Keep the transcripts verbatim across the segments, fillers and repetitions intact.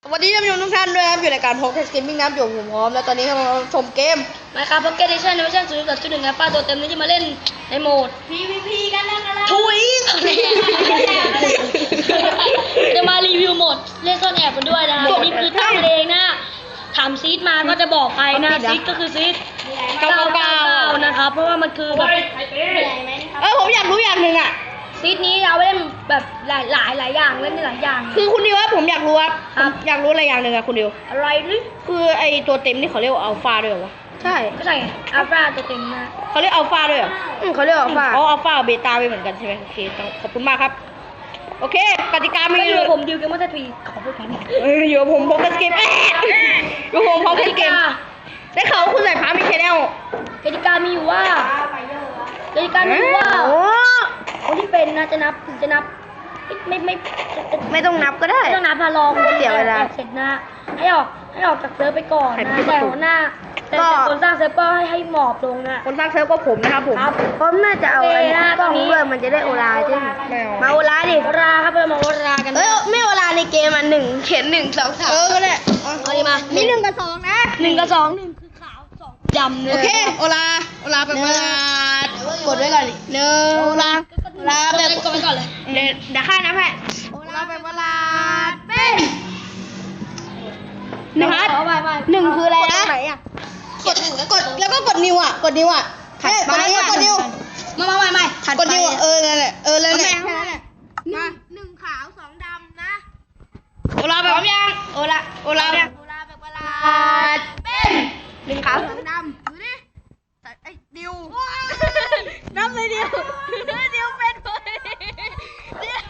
สวัสดีท่านผู้ชมทุกท่านด้วยครับอยู่ในการพกเทสเกมมิ่งน้ำอยู่ผมพร้อมแล้วตอนนี้เราชมเกม Minecraft Pocket Edition ในเวอร์ชัน ศูนย์จุดหนึ่ง ครับป้าตัวเต็มนี้จะมาเล่นในโหมดพี วี พี กันแล้วกันแล้วทุยจะมารีวิวโหมดเล่นซ่อนแอบกันด้วยนะนี่คือทำเองนะถามซีดมาก็จะบอกไปนะซีดก็คือซีดเก้าเก้านะครับเพราะว่ามันคือแบบเออผมอยากรู้อย่างหนึ่งอ่ะซีดนี้เอาไว้เล่นแบบหลายหลายหลายอย่างเล่นได้หลายอย่างคือคุณดิวว่าผมอยากรู้ครับครับผมอยากรู้อะไรอย่างหนึ่งอะคุณดิวอะไรหรือคือไอตัวเต็มนี่เขาเรียกว่าอัลฟาด้วยเหรอวะใช่ก็ใช่ไงอัลฟาตัวเต็มนะเขาเรียกอัลฟาด้วยเหรออืมเขาเรียกอัลฟาอ๋ออัลฟาเบต้าไปเหมือนกันใช่ไหมโอเคต้องขอบคุณมากครับโอเคกติกามีไม่รู้ผมดิวเกมเมอร์ทีขอพูดแค่นี้เอออยู่กับผมพกเทสเกมเอ๊ะอยู่กับผมพกเทสเกมได้ข่าวว่าคุณใส่ฟ้ามีแชนแนลกติกามีอยู่ว่ากติกามีอยู่ว่าโอ้คนที่เป็นนะจะนับถึงจะนับไม่ไม่ไม่ต้องนับก็ได้ไม่ต้องนับพาลองเสียเวลาเสร็จนะให้ออกให้ออกจากเซิร์ฟไปก่อนใครนะเป็นประแต่ตูหัวหน้าแต่ก็แต่คนสร้างเซิร์ฟก็ให้ให้หมอบลงนะคนสร้างเซิร์ฟก็ผมนะครับผมครับผมน่าจะเอาโออันเคนะนี้ตอนนี้ด้วยมันจะได้โอลาใช่ไหมมาโอลาดิโอราครับเรามาโอรากันเอ้ยไม่โอลาในเกมอ่ะหนึ่งเขียนหนึ่งสองสามเออก็ได้เอาดีมามีหนึ่งกับสองนะหนึ่งกับสองหนึ่งคือขาวสองดำเลยโอเคโอลาโอลาแบบโอลากดไว้ก่อนดิหนึ่งโอลาโอลาแบบกดไปก่อนเลยเดี๋ยวเดี๋ยวข้านับให้โอลาแบบโอลาเป็นหนึ่งเอาไปไปหนึ่งคืออะไรนะกดกดแล้วก็กดนิ้วอ่ะกดนิ้วอ่ะเฮ้ยกดนิ้วกดนิ้วมามาไม่ไม่กดนิ้วเออนั่นแหละเออนั่นแหละมาหนึ่งขาวสองดำนะโอลาแบบยังโอลาโอลาแบบโอลาแบบเวลาเป็นหนึ่งขาวสองดำดูดิไอ้ดิวนับเลยดิวดิวเป็นเลยดิว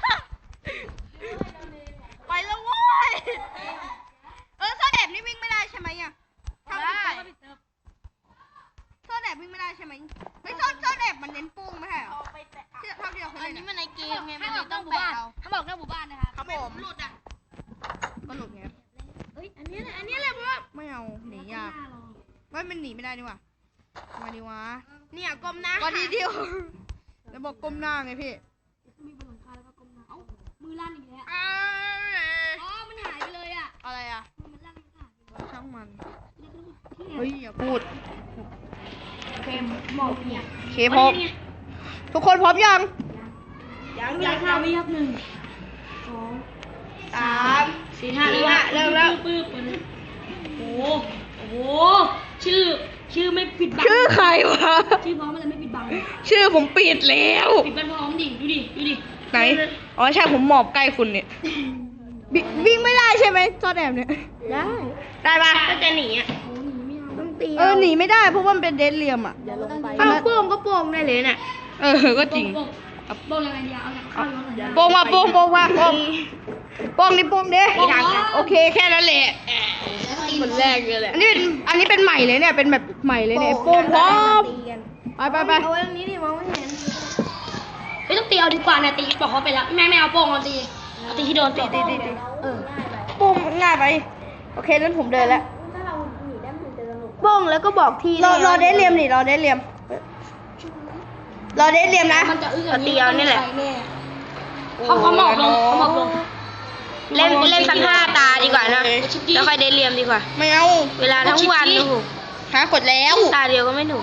ไปแล้วโว้ยเออโซนแอบนี่วิ่งไม่ได้ใช่ไหมอ่ะถ้าได้โซนแอบวิ่งไม่ได้ใช่ไหมไม่โซนโซนแอบมันเน้นปุ้งไม่ใช่เหรอที่เท่าที่เราเคยอันเล่นนี้อะมันในเกมไงมันให้เลออย กนต้ออก งหมู่แปะบ้านเอาถ้าบอกนอกหมู่บ้านนะคะครับผมหลุดอ่ะก็หลุดไงเฮ้ยอันนี้แหละอันนี้แหละเพราะว่าไม่เอาหนียากไม่มันหนีไม่ได้นี่หว่ามาดีวะเนี่ยก้มหน้าก็ดีดิวแล้วบอกก้มหน้าไงพี่มีบนหลังคาแล้วก็ก้มหน้าเอ้ามือลั่นอีกแล้วอ้าอ๋อมันหายไปเลยอ่ะอะไรอ่ะมันลั่นมันหายไปเลยช่างมันเฮ้ยอย่าพูดเกมหมอกเนี่ยโอเคพร้อมทุกคนพร้อมยังยังยังห้าวิครับหนึ่งสองสามสี่ห้าสี่ห้าเริ่มแล้วปึ๊บปึ๊บปึ๊บโอ้โหโอ้โหชื่อชื่อไม่ปิดบังชื่อใครวะชื่อพร้อมอะไรไม่ปิดบังชื่อผมปิดแล้วปิดบังพร้อมดิดูดิดูดิไหน อ๋อใช่ผมหมอบใกล้คุณเนี่ยบิวิ่งไม่ได้ใช่ไหมจอแดมเนี่ยได้ได้ปะก็จะหนีอ่ะโอ้หนีไม่เอาต้องตีเออหนีไม่ได้เพราะว่ามันเป็นเดดเลียมอ่ะอย่าลงไปถ้าโป้งก็โป้งได้เลยเนี่ยเออก็จริงโป้งยังไงดีเอาจากข้าวรถหน่อยโป้งมาโป้งโป้งมาโป้งโป้งนี่โป้งเด้โป้งเหรอโอเคแค่นั้นแหละคนแรกเลยแหละอันนี้เป็นอันนี้เป็นใหม่เลยเนี่ยเป็นแบบใหม่เลยเนี่ยโป้งพร้อมไปไปไปเอาไว้ตรงนี้ดิมองไม่เห็นไม่ต้องตีเอาดีกว่าเนี่ยตีบอกเขาไปแล้วแม่ไม่เอาโป้งเอาตีเอาตีที่โดนตีตีตีตีเออโป้งง่ายไปโอเคนั้นผมเดินแล้วโป้งแล้วก็บอกที่รอรอเดทเลียมดิรอเดทเลียมรอเดทเลียมนะมันจะอึ้งอย่างนี้ตีเอานี่แหละเขาเขาหมอบลงเขาหมอบลงเล่นเล่นสักห้าตาดีกว่านะ แล้วค่อยได้เรียมดีกว่าไม่เอาเวลาทั้งวันโอ้โหหากดแล้วตาเดียวก็ไม่หนุก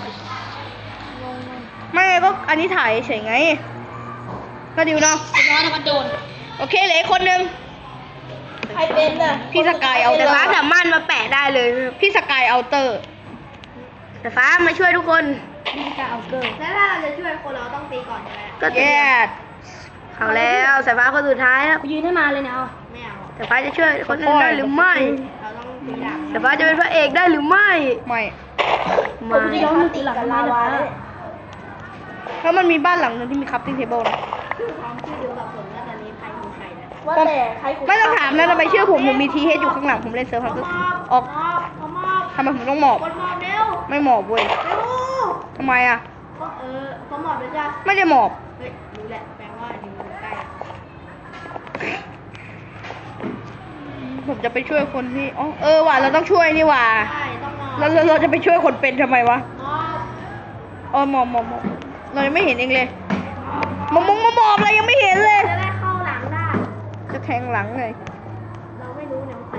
ไม่ก็อันนี้ถ่ายเฉยไงก็ดิวเนาะร้อนถ้ามันโดนโอเคเหลืออกคนหนึงใครเป็นน่ะพี่สกายเอาเตแต่อร์ฟ้าสามารถมาแปะได้เลยพี่สกายเอาเตอร์แต่ฟ้ามาช่วยทุกคนนี่การเอาเกิร์แล้วถ้าเราจะช่วยคนเราต้องตีก่อนใช่ไหมก็เตรีแย่ยมเอาแล้วสายฟ้าคนสุดท้ายแล้วยืนให้มาเลยเนี่ยเอาไม่เอาสายฟ้าจะช่วยคนอื่นได้หรือไม่เราต้องตีหลังสายฟ้าจะเป็นพระเอกได้หรือไม่ไม่ไม่จะย้อนมือตีหลังทำไมล่ะแล้วมันมีบ้านหลังนึงที่มีคัพติ้งเทเบิลนะชื่อพร้อมชื่อเดียวกับผมว่าตอนนี้ใครคือใครนะว่าแต่ใครไม่ต้องถามนะทำไมเชื่อผมผมมีทีเฮดอยู่ข้างหลังผมเล่นเซิร์ฟฮันเตอร์ออกมอบเขามอบทำไมผมต้องหมอบคนมอบเร็วไม่หมอบเว้ยเร็วทำไมอ่ะเขาเออเขามอบแล้วจ้ะไม่ได้หมอบเฮ้ยรู้แหละแปลว่าอยู่ใกล้ผมจะไปช่วยคนที่อ๋อเออว่ะเราต้องช่วยนี่ว่ะใช่ต้องมอบเราเราเราจะไปช่วยคนเป็นทำไมวะมอบอ๋อหมอบหมอบหมอบเรายังไม่เห็นเองเลยมามงมาหมอบอะไรยังไม่เห็นเลยจะได้เข้าหลังได้จะแทงหลังเลยเราไม่รู้เนี่ยว่า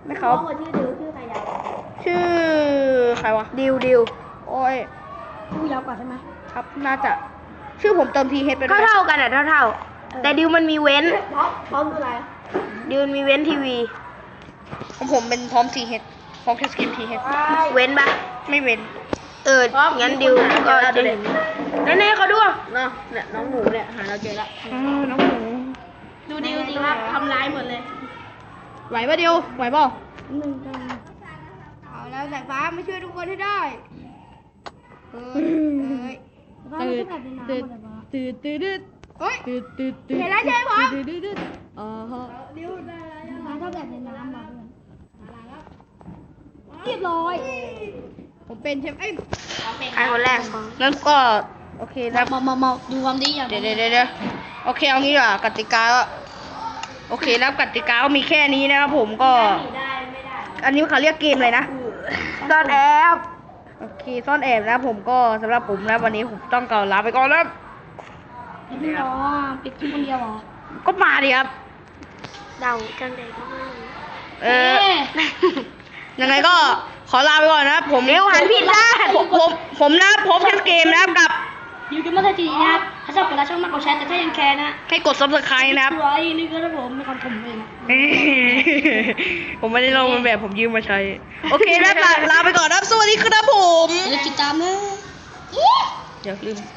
ไม่เขาเขาบอกชื่อดิวชื่อใครยาวชื่อใครวะดิวดิวโอ้ยผู้ยาวกว่าใช่ไหมครับ น่าจะ ชื่อผมเติมทีเฮดไปด้เท่าวยเท่าๆกันอ่ะเท่าเท่าๆแต่ดิวมันมีเว้นพร้อมพร้อมคืออะไรดิวมันมีเว้นทีวีของผมเป็นพร้อมทีเฮดพร้อมแคสเกมทีเฮดเว้นปะไม่เว้นเออ งั้นดิวก็จะเห็นแน่ๆเขาดูเนาะเนี่ยน้องหมูเนี่ยหาเราเจอละเออ น้องหมูดูดิวสิครับทำร้ายหมดเลยไหวปะเดียว ไหวเปล่าเอาแล้วสายฟ้ามาช่วยทุกคนให้ได้เอ้ยเอ้ยตื่นตื่นตื่นตื่นเฮ้ยตื่นตื่นตื่นเห็นแล้วใช่ไหมผมตื่นตื่นตื่นอ๋อฮะดิวได้แล้วมาเท่าแบบในน้ำมาเพื่อนเรียบร้อยผมเป็นใช่ไหมเอ้ยใครคนแรกงั้นก็ โอเคนะมามามาดูความดีอย่างเดี๋ยวเดี๋ยวเดี๋ยวโอเค เอางี้ดีกว่ากติกาก็โอเคนะกติกาก็มีแค่นี้นะครับผมก็ได้ไม่ได้อันนี้เขาเรียกเกมอะไรนะซ่อนแอบโอเค ซ่อนแอบนะผมก็สำหรับผมนะวันนี้ผมต้องกล่าวลาไปก่อนนะครับพี่น้องปิดคลิปคนเดียวเหรอก็มาดิครับเดาจังใดก็ไม่รู้เออ ยังไงก็ขอลาไปก่อนนะครับผมเร็วหันผิดด้านผมผมผมนะพบกันเกมนะครับกับอยู่กันมาทันทีนะครับถ้าชอบกดไลค์ช่องมากกดแชร์แต่ถ้ายังแคร์นะให้กด ซับสไครบ์ นะครับไว้นี่ก็นะผมไม่คำผมเองนะผมไม่ได้ลองมันแบบผมยืมมาใช้ โอเคนะลาลาไปก่อนนะครับ สวัสดีครับผมอย่าลืมติดตามนะเดี๋ยวลืม